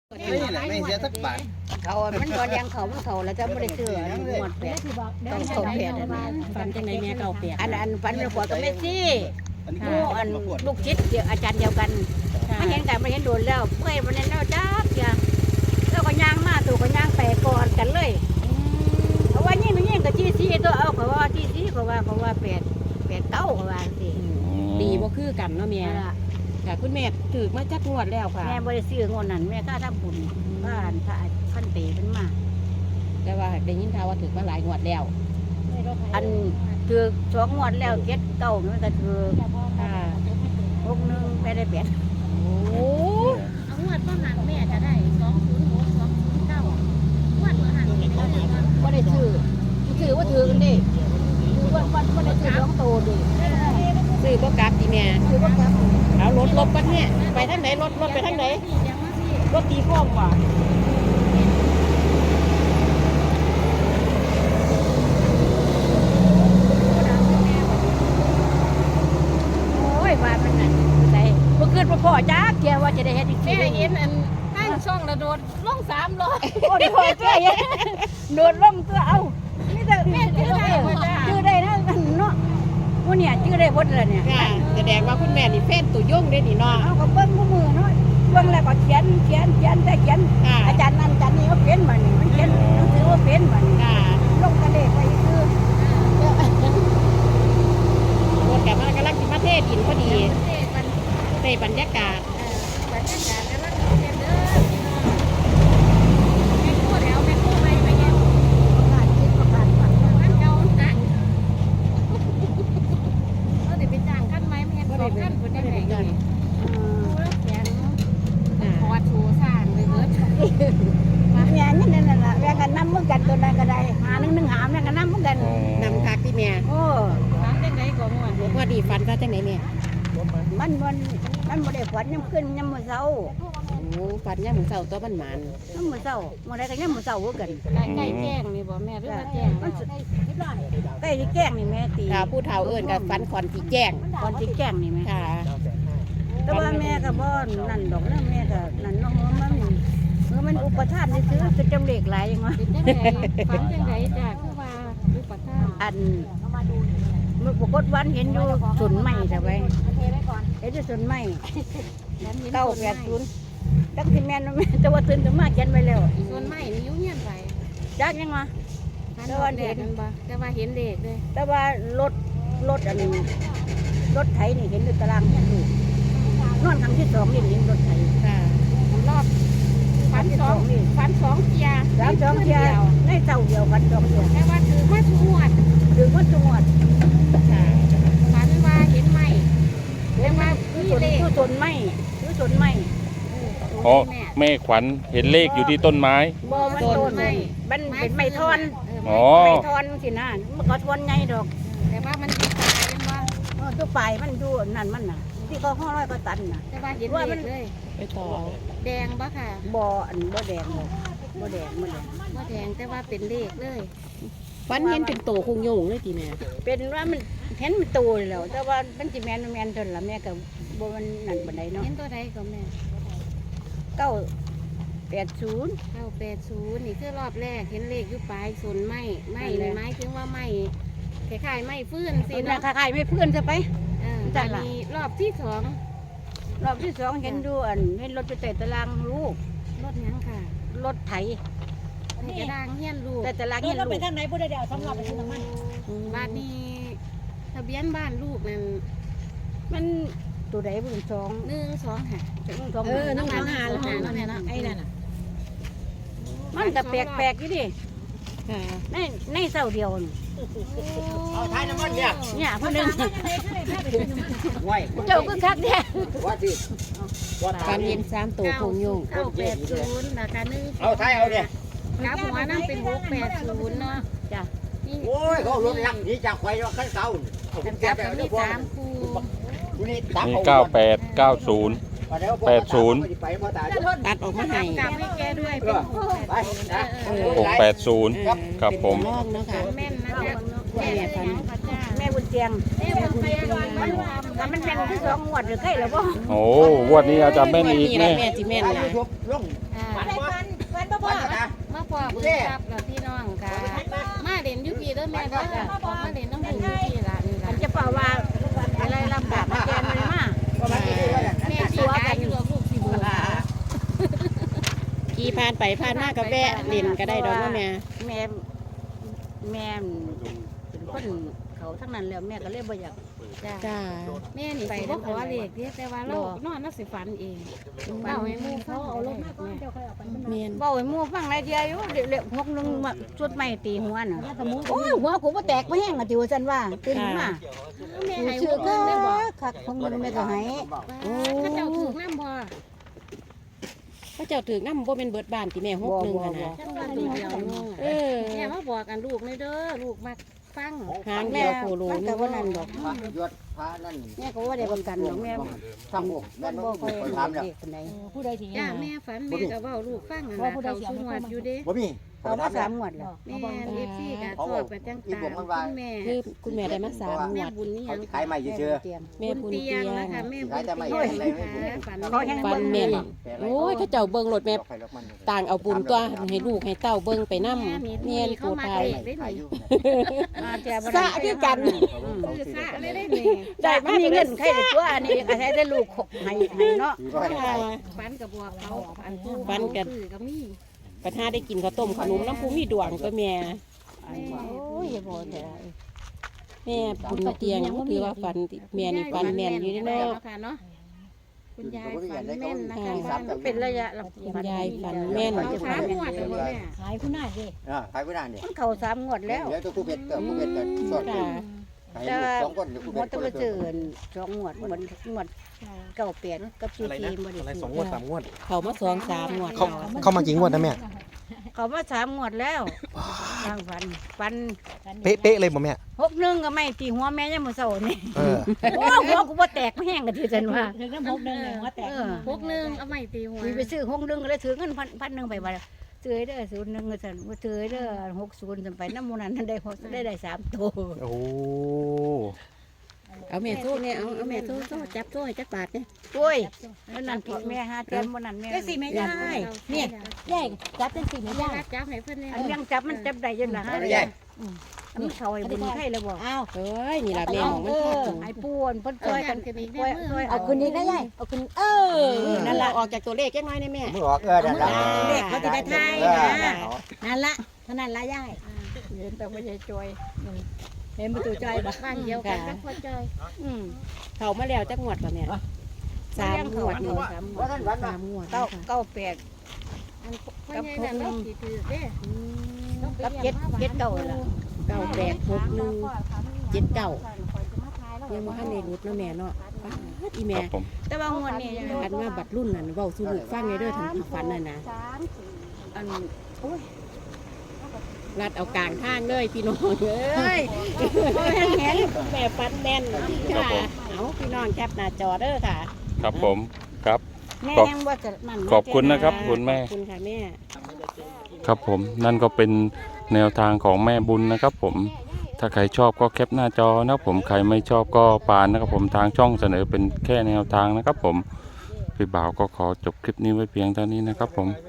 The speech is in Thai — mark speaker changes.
Speaker 1: ไม่เสียสักบาท
Speaker 2: เขามันตอนยังเขามันเขาแล้วจะไม่ได้ซื้อหมดแปดต้องเขาแปด
Speaker 3: ฝันจังไดแม่เก่าแปด
Speaker 2: อันฝันเป็นขวดก็ไม่ซี่มู่อันลูกชิดเดียวอาจารย์เดียวกันไม่เห็นกันไม่เห็นโดนแล้วเมื่อยวันนั้นแล้วจ้าเดียวแล้วก็ย่างมาตัวก็ย่างไปก่อนกันเลยเพราะว่ายิ่งก็จี้ซี่ตัวเอาเขาว่าจี้ซี่เขาว่าแปดเก้าเขาว่าสิ
Speaker 3: ดีบ่คือกันเนาะแม่ค่ะคุณแม่ถือมาจักงวดแล้วค่ะ
Speaker 2: แม่บริซื้องวดนั้นแม่ก็ทำบุญบ้านพระพันปีเป็นมา
Speaker 3: แต่ว่าได้ยินข่าวว่าถือมาหลายงวดแล้ว
Speaker 2: อันถือ2 งวดแล้ว7 9มันก็ถือ
Speaker 3: ค่ะ
Speaker 2: 61ไม่ได้แปด
Speaker 3: โอ้
Speaker 4: เอางวดก็หันแม่จะได้206 209งวดก็หันไม่ได้
Speaker 2: บ่ได้ซื้อว่าถือกันดิคือว่าบ่ได้ซื้อ2 โตดิ
Speaker 3: ซื้อบ่กลับติแม่
Speaker 2: ซื้อบ่กลับ
Speaker 3: เอารถลบกันเนี่ยไปทางไหนรถไปทางไหนรถตีข้อมว่ะ
Speaker 2: โอ้ยว่าเป็นนั่นได้บ่คิดว่าพ่อจักเที่ยว่าจะได้เฮ็ดอีกที
Speaker 4: แม่เห็นอันตั้งช่องระโดดลง300
Speaker 2: โอ้ยพ่อจ้อยโดดลงตัวเอานี่แต่แม่ชื่อได้บ่จ้าชื่อได้นะเนาะว่าเนี่ยชื่อได้บ่ล่ะเนี่ย
Speaker 3: ค่ะแสดงว่าคุณแม่นี่แฟนตัวยงเด้นี่เนาะ
Speaker 2: เอาก็เบิ่งมือเนาะเบิ่งแล้วก็เขียนแต่เขียนอาจารย์นั้นอาจารย์นี้เขาเขียนมานี่มันเขียนหนังสือว่าเป็นมานี่ลงกระเลขไปคือ
Speaker 3: รถแกมันกำลังสิมาเทดินพอดีได้บรรยากาศ
Speaker 4: บรรยากาศกำลังเย็นเด้อพี่น้องแม่กู้แล้วแม่กู้ไปยังมันเก่านะเราได้ไปจ้างคันไหมแม่2 คันบ่ได้ไหนเลยแขนพอถูสร้างไปเบิด
Speaker 2: แม่นี่นั่นล่ะแม่กันนำมือกันตัวใดก็ได้หา1 หาแม่กันนำมือกัน
Speaker 3: นำคักที่แม่
Speaker 2: โอ้
Speaker 4: ร้านจังได๋ก็ม่วน
Speaker 3: ว่าดีฟันซะจังไหนแม่
Speaker 2: มันบ่ได้ฝันยามขึ้นยามมื้อเช้า
Speaker 3: โอ้ฟันยามมื้อเช้าตัวมันหมาน
Speaker 2: ยามมื้อเช้ามื้อใดก็ยามมื้อเช้าคือกัน
Speaker 4: ใกล้แจ้งนี่บ่แม่หรือว่าแจ้ง
Speaker 2: ใกล้สิแจ้งนี่แม่ตี
Speaker 3: ค่ะผู้เฒ่าเอิ้นก็ฟันขอนสิแจ้ง
Speaker 2: ก่อนสิแจ้งนี่แม่
Speaker 3: ค่ะ
Speaker 2: แต่ว่าแม่ก็บ่นั่นดอกนะแม่ก็นั่นเนาะมันอุปทานซื้อจะจำเลขหลายจังวะ
Speaker 4: เป็นจังไดฝันจังไดจ้ะคือว่าอุปทาน
Speaker 2: อันมื้อปรากฏวันเห็นอยู่สวนไม้ซะไว้เห็นอยู่สวนไม้980จักสิแม่นบ่แม่แต่ว่าตื่นขึ้นมาเขียนไว้แล้ว
Speaker 4: ส่วนไม้นี่อยู่เฮียนไป
Speaker 2: จักยังวะ
Speaker 4: แต่ว่าเห็นบ่แต่ว่าเห็นเลขเด้
Speaker 2: แต่ว่ารถอันรถไถนี่เห็นอยู่ตารางเฮียนลูกนอนครั้งที่2นี่เห็นรถไถ
Speaker 3: ค่ะ
Speaker 4: รอบฝัน2เที่ย
Speaker 2: 2เที่ยในเจ้าเดียวกัน2เที่ย
Speaker 4: แต่ว่าถือมาทุกงวด
Speaker 2: ถึงว่าจังหวัด
Speaker 3: ค่ะ
Speaker 4: ฝันว่าเห็นไม้แต่ว่ามีเลข
Speaker 2: คือสนไม้
Speaker 5: อ๋อแม่ขวัญเห็นเลขอยู่ที่ต้นไม้
Speaker 2: บ่มันต้นมันเป็นไม้ทอน
Speaker 5: อ๋อ
Speaker 2: ไม้ทอนสินะมันก็ทอนใหญ่ดอก
Speaker 4: แต่ว่ามันตายยังว่า
Speaker 2: ตัวปลายมันอยู่นั่นมันน่ะที่เขาห้อร้อยก็ตันน่ะ
Speaker 4: แต่ว่าเห็นเลขเลย
Speaker 3: ไปต่อเอา
Speaker 4: แดงบ่ค่ะ
Speaker 2: บ่บ่แดงเลยบ่แดงมันเลย
Speaker 4: บ่แดงแต่ว่าเป็นเลขเลย
Speaker 3: ฟันเห็นเป็นโตคงโยงเลยทีแม่
Speaker 2: เป็นว่ามันเห็นมันโตแล้วแต่ว่ามันสิแม่นเท่านั้นล่ะแม่ก็บ่มันนั่นปานใดเนาะ
Speaker 4: เห็นตัวใดก็แม่
Speaker 2: 980
Speaker 4: 980นี่คือรอบแรกเห็นเลขอยู่ปลายสนไม้นี่หมายถึงว่าไม้คล้ายๆไม้ฟื้นสิ
Speaker 2: สินะ
Speaker 4: เนาะ
Speaker 2: คล้ายๆไม่เพื่อนซะไป
Speaker 4: อันนี้รอบที่2
Speaker 2: รอบที่2เห็นดูเห็นรถไปเตะตารางลูก
Speaker 4: รถยังค่ะ
Speaker 2: รถไถ
Speaker 4: ในกระด้างเฮียนลูก
Speaker 2: แต่ตารางเห็นลูก
Speaker 3: ไปทางไหนบ่ได้เดี๋ยวสำหรับไปซื้อน้ำมัน
Speaker 4: บ้านนี้ทะเบียนบ้านลูกนั่น
Speaker 2: มันตัวใดบุญ2
Speaker 4: 12ค่ะ
Speaker 3: น้องหาแล้วหาแล้วเนี่ยนะไอ้นั่นน่ะ
Speaker 2: มันก็แปลกๆอยู่ดิ
Speaker 3: ค่ะ
Speaker 2: ในเสาเดียวนี่
Speaker 1: เอาท้ายน้ำมันเนี่ย
Speaker 2: เนี่ยคนนึง
Speaker 1: ไว้
Speaker 2: เจ้าก็คักแท้
Speaker 1: ว่าสิว่า
Speaker 3: ฟันเห็น3โตคงโยง
Speaker 4: 980ราคา1
Speaker 1: เอาท้ายเอาเนี่ย
Speaker 4: กลับหัวนั่นเป็น680เนาะ
Speaker 2: จ้ะ
Speaker 4: นี่
Speaker 1: โอ้ยเขารถลังนี่จากไฟว่าขั้นเสาผม
Speaker 4: ก
Speaker 1: แก้
Speaker 4: ลับ
Speaker 1: แบบ
Speaker 4: มี
Speaker 1: นี้พวก
Speaker 4: 3คู่
Speaker 1: นี่
Speaker 5: มี98 90
Speaker 3: ตัดออกมาให้
Speaker 4: กลับให้แกด้วยเป็น
Speaker 1: ไปนะ
Speaker 5: 680 ครับผม
Speaker 3: ลองเนาะค่ะ
Speaker 4: แม่นนะจ๊ะ
Speaker 3: แม่ฟัน
Speaker 2: แม่บุญเจียง
Speaker 4: แม่บุญเตียง
Speaker 2: มันเป็นที่2งวดหรือใกล้แล้วบ่
Speaker 5: โอ้งวดนี้อาจจะแม่นอีก
Speaker 3: แม่
Speaker 5: แม่
Speaker 3: สิแม่น
Speaker 1: ไป
Speaker 3: ล่ะ
Speaker 1: ยุบลง
Speaker 4: ฟันมาพอเบิกทรัพย์แล้วพี่น้องค่ะมาเด่นยุพีเด้อแม่เด้อมาเด่นน้ำบุญยุพีละนี่
Speaker 2: มั
Speaker 4: ละ
Speaker 2: นจะเป่าว่าอะไรลำบากมาแกนเลยมา
Speaker 4: แม่ตัวกันอยู่ลูกสิบุญ
Speaker 3: ขี่ผ่านไปผ่านมาก็แวะเล่นก็ได้ดอกเนาะแม่
Speaker 2: แม่เป็นคนเขาทั้งนั้นแล้วแม่ก็เลยบ่อยาก
Speaker 3: จ้า
Speaker 4: แม่นี่สิบ่ขอเลขเด้แต่ว่าเรานอนน่ะสิฝันเองเล่าให้หมู่เขาเอาลงมาก่อน
Speaker 3: แม่น
Speaker 2: เว้าให้หมู่ฟังหลายเดียวอยู่เล็กๆ6นึงมาชุดใหม่ตีหัวน่ะโอ้ยหัวกูบ่แตกบ่แห้งอ่ะติว่าซั่นว่าตื่นมา
Speaker 4: แม่
Speaker 2: กู
Speaker 4: ให้
Speaker 2: ชื่
Speaker 4: ห
Speaker 2: อ
Speaker 4: มู่
Speaker 2: ก็
Speaker 4: เพิ่นได้บ่
Speaker 2: คักของมึงแม่ก็ให้
Speaker 4: ถ้าเจ้าถูกน้ำบ่
Speaker 3: พระเจ้าถือน้ำบ่เป็นเบิดบ้านที่แม่6นึงอะนะ
Speaker 4: จังว่าถูกเดียวนึง
Speaker 3: เออ
Speaker 4: แม่มาบอกกันลูกเลยเด้อลูกมาฟัง
Speaker 3: หางเดียวโคโล
Speaker 2: มันก็บ่นั่นดอก
Speaker 1: พระยศพระนั่น
Speaker 2: แม่ก็บ่ได้ประกันดอกแม่
Speaker 1: ทำบุญแม่
Speaker 2: มัน
Speaker 1: บ่
Speaker 2: บ่ค่อย
Speaker 1: คนถามแล้ว
Speaker 2: เด็กปานใด
Speaker 4: จ้าแม่ฝันแม่ก็เว้าลูกฟังนั่นล่ะเขาสูงวัดอยู่เด้
Speaker 1: บ่มี
Speaker 2: เอามา3งวดแล้ว
Speaker 4: แม่เอฟซีก็ชอบกันจังตาคุณแม่
Speaker 3: คือคุณแม่ได้มา3ง
Speaker 4: แม่
Speaker 3: วด
Speaker 4: บุญนี่ห
Speaker 1: เขา
Speaker 4: ยัง
Speaker 1: จะขายใหม่เชื่อ
Speaker 3: แม่บุญ
Speaker 4: เตี
Speaker 3: เตี
Speaker 4: ย
Speaker 3: ย
Speaker 4: ง
Speaker 3: ง
Speaker 4: นะคะแม่บุญเตียงนะคะฝัน
Speaker 3: ฟันแม่นโอ้ยเขาเจ้าเบิ่งรถแม่ต่างเอาบุญตัวให้ลูกให้เต้าเบิ่งไปนำ
Speaker 4: แม่
Speaker 3: แม่น
Speaker 4: เขา
Speaker 3: ผู้
Speaker 4: มา
Speaker 3: ไทย
Speaker 4: เตะได้หนิ
Speaker 3: สะคือกัน
Speaker 4: คือซะเลยได้หนิ
Speaker 2: ได้มามีเงินใครได้ตัวอันนี้ก็ใช้ได้ลูกให้เนาะ
Speaker 4: ฝันกับบัวเขาอันผู้
Speaker 3: ฝันกัน
Speaker 4: คือก็มี
Speaker 3: ปัญหาได้กินข้าวต้มขนมน้ำผู้มีดวงก็แม่
Speaker 2: โอ้ยบ่ได้
Speaker 3: แม่บุญเตียงคือว่าฝันแม่นี่ฝันแม่นอยู่เนาะ
Speaker 4: ค่ะเนาะคุณยายฝันแม่นนะคะ
Speaker 2: มันเป็นระยะ
Speaker 3: คุณยายฝันแม่น
Speaker 4: เอาสามงวดเลยบ่แม่
Speaker 1: ขายผู้นานเนี่ย
Speaker 2: มันเข้า3งวดแล้ว
Speaker 1: เดี๋ยวตัวผู้เป็ดเกิดผู้เป็ดเกิดสด
Speaker 3: ค่ะ
Speaker 1: ขายสองคนเดี๋ยวผู้
Speaker 2: หม
Speaker 1: เป็
Speaker 2: ด
Speaker 1: ด
Speaker 2: ต้องไปซื้อ2งวดเหมือนงวด98กับ44บ่ได้
Speaker 6: อะไร
Speaker 2: ซื้
Speaker 6: 2 งวด 3 งวด
Speaker 3: เขามา2-3งวด
Speaker 6: เข้ามากี่งวดนะแม่
Speaker 2: เขามา3งวดแล้วทางฟัน
Speaker 6: เป๊ะๆเลยบ่แม่
Speaker 2: 61ก็ไม่ตีหัวแม่ยังมื้อเช้านี่
Speaker 6: เออ
Speaker 2: โอ้หัวกูบ่แตกบ่แห้งก็ที่ซั่นว่า
Speaker 4: ถึงน้ำ6นึงว่าแตก6นึงเอาไม่ตีหัว
Speaker 2: มีไปซื้อ61ก็เลยถือเงิน1,000ไปว่าซื้อเด้อ01ก็ซั่นว่าซื้อเด้อ60ซั่นไปนำหมู่นั้นได้3ตัว
Speaker 6: โอ้
Speaker 3: เอาแม่โซ่เนี่ยเอาแม่โซ่จับโซ่ให้จักบาทเนี่ย
Speaker 2: โอ้ยแล้วนั่นผิดแม่หาแต้มบ่นั่นแม่
Speaker 3: จังสิแม่ยายเนี่ยยายจับจังสิแม่ยาย
Speaker 4: จับให้เพิ่นเนี่ย
Speaker 2: อันยังจับมันจับได้ยังล่ะฮะ
Speaker 1: ไม่ใหญ่
Speaker 2: อันนี้เขาไอ้บุญไข่แล้วบ่
Speaker 3: อ้าวเอ้ยนี่ล่ะแม่ของมันเข้าถึง
Speaker 2: ไอ้ป่วนเพิ่นช่วยกัน
Speaker 4: กันอีก
Speaker 2: ช่วยช่วย
Speaker 3: เอาคืนนี้ได้ยายเอาคืนนั่นล่ะออกจากตัวเลขจักหน่อยได้แม่
Speaker 1: มือออกนั่นละ
Speaker 3: เลขเขาจะได้ทายนะ นั่นละเท่านั้นละยาย
Speaker 2: เห็นแต่บ่ใช่ช่วยเห็นประตูใจบ่
Speaker 4: บ้านเดียวกันกับพ่อจอย
Speaker 3: เขามาแล้วจักงวดป่ะแม่3งวดนี่
Speaker 1: ว่าท่านวันว่า
Speaker 3: 3งวด
Speaker 2: 98
Speaker 4: อันพ่อใหญ่นั่นเราสิถือเด้
Speaker 2: กับ7เก่าล่ะ
Speaker 3: 986179ยังบ่ทันได้รุดเนาะแม่เนาะอี
Speaker 5: ค
Speaker 3: แม่
Speaker 5: รับผม
Speaker 2: แต่ว่างวดนี้
Speaker 3: อันว่าบัดรุ่นนั่นเว้าสู่ลูกฟังเด้อทางฝันน่ะนะ
Speaker 2: อัน
Speaker 3: รัดเอากลางทางเลยพี่น้องเอ้ยแม่แม่ฟันแม่นค่ะเอาพี่น้องแคปหน้าจอเด้อค่ะ
Speaker 5: ครับผมครับ
Speaker 2: แม่ยังบ่จะนั่น
Speaker 5: ขอบคุณนะครับคุณแม่
Speaker 3: ขอบคุณค่ะแม่
Speaker 5: ครับผมนั่นก็เป็นแนวทางของแม่บุญนะครับผมถ้าใครชอบก็แคปหน้าจอนะครับผมใครไม่ชอบก็ปานนะครับผมทางช่องเสนอเป็นแค่แนวทางนะครับผมพี่บ่าวก็ขอจบคลิปนี้ไว้เพียงเท่านี้นะครับผม